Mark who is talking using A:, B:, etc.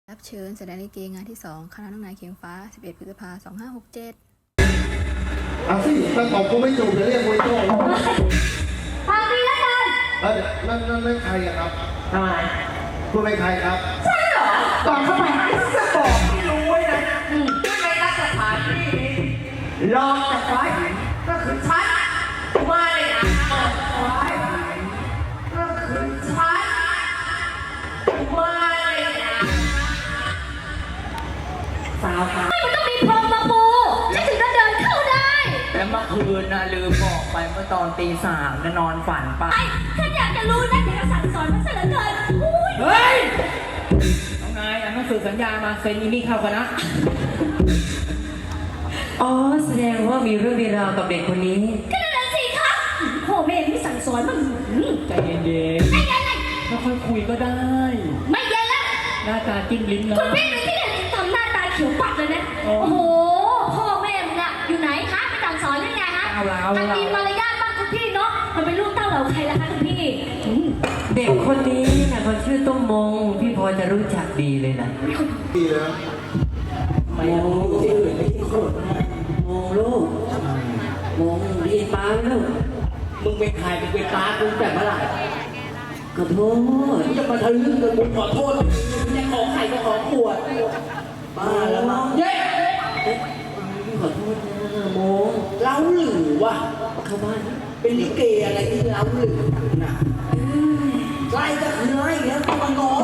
A: รับเชิญแสดงลิเกงานที่ 2 คณะน้องนายเคียงฟ้า 11 พฤษภาคม 2567
B: เอาสิถ้าตอบกูไม่ถูกจะเรียกมวยโต้แล้ว
C: ฟังดีแล้วกัน
B: นั่นใครอะครับ
D: ทำไม
B: คุณเป็นใครครับ
C: ใช่เหรอ
D: ก่อนเข้าไปจะบอกให้รู้ไว้นะในรัฐสถานที่นี้รองจากฝ่ายหญิงก็คือฉันมาในนามของฝ่ายหญิงก็คือฉันมาในนามสาวค่ะ
C: ไม่มันต้องมีพรมมาปูฉันถึงจะเดินเข้าได้
D: แล้วเมื่อคืนนะลืมบอกไปเมื่อตอนตี 3จะนอนฝันไป
C: ไอ้ฉันอยากจะรู้นะอยากจะสั่งสอนมันซะเหลือเกินอุ้ย
D: เฮ้ยเอาไงอ่านหนังสือสัญญามาเซ็นอีนี่เข้ากันนะ
E: อ๋อแสดงว่ามีเรื่องมีราวกับเด็กคนนี้
C: ก็นั่นแหละสิครับพ่อแม่ไม่สั่งสอนมัน
D: ใจเย็น
C: ไอ้ไงไง
D: ๆไม่ค่อยคุยก็ได้
C: ไม่เย็นแล้ว
D: หน้าตาจิ้มลิ้นนะ
C: คุณพี่เป็นที่ไหนทำหน้าตาเขียวปัดเลยนะ
D: โอ้
C: โอ้โหพ่อแม่มึงอะอยู่ไหนคะไปสั่งสอนยังไงฮะ
D: เอาละ
C: อันมีมารยาทบ้างคุณพี่เนาะมันเป็นลูกเต้าเหล่าใครล่ะคะคุณพี่
E: เด็กคนนี้นะเขาชื่อต้มมง พี่พอจะรู้จักดีเลยนะ
B: ดีแล้ว
E: มงที่อื่นไม่ใช่คนนะมงลูกมงเรียนป้าไหมลูก
D: มึงเป็นใครมึงเป็นตากูแต่เมื่อไหร่
E: ขอโทษ
D: มึงจะมาทะลึ่งกับกูขอโทษมึงจะขอไข่ก็ขอขวดบ้าแล้วมั้งเย้
E: พี่ขอโทษนะมง
D: เล้าหรือวะ
E: เข้าบ้าน
D: เป็นลิเกอะไรที่เล้าหรือน่ะไล่ก็คือไล่แล้วกูมางอ